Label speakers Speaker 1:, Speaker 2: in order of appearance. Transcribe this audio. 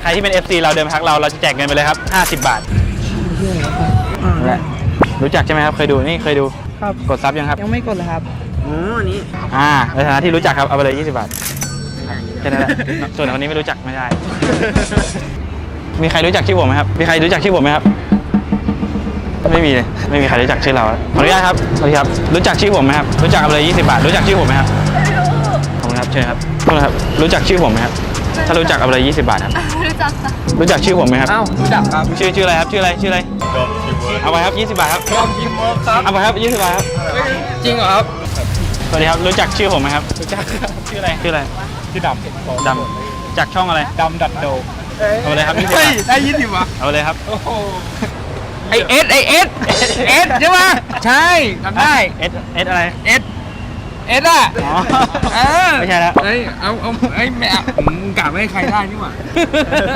Speaker 1: รที่เป็น FC เราเดินมาทักเราจะแจกเงินไปเลยครับ50 บาทและรู้จักใช่ไหมครับเคยดูนี่เคยดู
Speaker 2: ครับ
Speaker 1: กดซับยังครับ
Speaker 2: ยังไม่กดเลยครับ
Speaker 3: อ๋อนี่
Speaker 1: ในฐานะที่รู้จักครับเอาไปเลย20 บาทแค่นั้นแหละส่วนคนนี้ไม่รู้จักไม่ได้ มีใครรู้จักชื่อผมไหมครับมีใครรู้จักชื่อผมไหมครับไม่มีเลยไม่มีใครรู้จักชื่อเราขออนุญาตครับสวัสดีครับรู้จักชื่อผมไหมครับรู้จักเอาไปเลย20 บาทรู้จักชื่อผมไหมครับขอบคุณครับเชิญครับขอบคุณครับรู้จักชื่อผมไหมครับถ้ารู้จักเอาไปเลย20 บาทครับรู้จักชื่อผมไหมครับ
Speaker 3: อ้าวรู้จักครับ
Speaker 1: ชื่ออะไรครับชื่ออะไรเอาไปครับ20 บาทครับ
Speaker 3: ยอมทีมเวิร์คครับ
Speaker 1: เอาไปครับ20 บาทครับ
Speaker 3: จริงเหรอครับ
Speaker 1: สวัสดีครับรู้จักชื่อผมไหมครับรู้จักชื่ออะไรชื่อดำจากช่องอะไร
Speaker 3: ดำดัดโด
Speaker 1: เอาไปเลยครับ20 บา
Speaker 3: เฮ้ย
Speaker 1: ท
Speaker 3: ได้ยินดิวะ
Speaker 1: เอาไปเลยครับ
Speaker 3: โอ้โหไอเอสใช่ไหมใช่จำได้
Speaker 1: เอสอะไร
Speaker 3: เอสอ่ะ
Speaker 1: อ๋อ
Speaker 3: เออ
Speaker 1: ไม่ใช่แล้ว
Speaker 3: เฮ้ยเอาไอ้แม่มึงกะไม่ให้ใครได้นี่หว่า